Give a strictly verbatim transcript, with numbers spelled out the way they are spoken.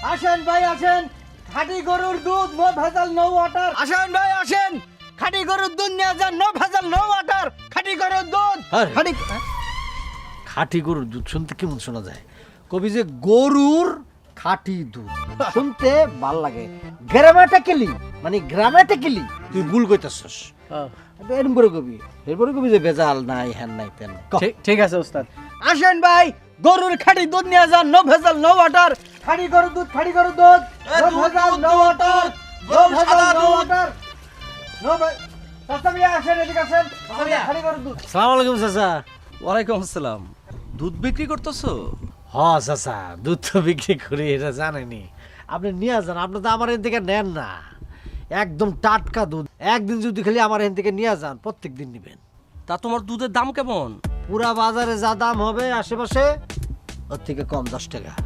আসেন ভাই আসেন, খাঁটি গরুর দুধ, নো ভেজাল নো ওয়াটার। আসেন ভাই আসেন, খাঁটি গরুর দুধ নিয়ে যান, নো ভেজাল নো ওয়াটার, খাঁটি গরুর দুধ। আরে। খাঁটি খাঁটি গরুর দুধ শুনতে কেমন শোনা যায়? কবি যে গরুর খাঁটি দুধ শুনতে ভাল লাগে, গ্রামাটিক্যালি মানে গ্রামাটিক্যালি তুই ভুল কইতাছস। এরম করে কবি, এরপরে কবি যে ভেজাল নাই হ্যান নাই তেন। ঠিক ঠিক আছে ওস্তাদ। আসেন ভাই, গরুর খাঁটি দুধ নিয়ে যান, নো ভেজাল নো ওয়াটার, খাঁটি গরুর দুধ, খাঁটি গরুর দুধ, নো ভেজাল নো ওয়াটার, নো ভেজাল নো ওয়াটার, নো চাচা মিয়া আসেন, এদিকে আসেন, খাঁটি গরুর দুধ। সালাম আলাইকুম চাচা। ওয়ালাইকুম আসসালাম। দুধ বিক্রি করতেছো? হ চাচা, দুধ তো বিক্রি করি, এটা জানেনি। আপনি নিয়ে যান, আপনি তো আমার এখান থেকে নেন না। একদম টাটকা দুধ, একদিন যদি খালি আমার এখান থেকে নিয়ে যান, প্রত্যেক দিন নিবেন। তা তোমার দুধের দাম কেমন? পুরা বাজারে যা দাম হবে আশেপাশে, ওর থেকে কম দশ টাকা।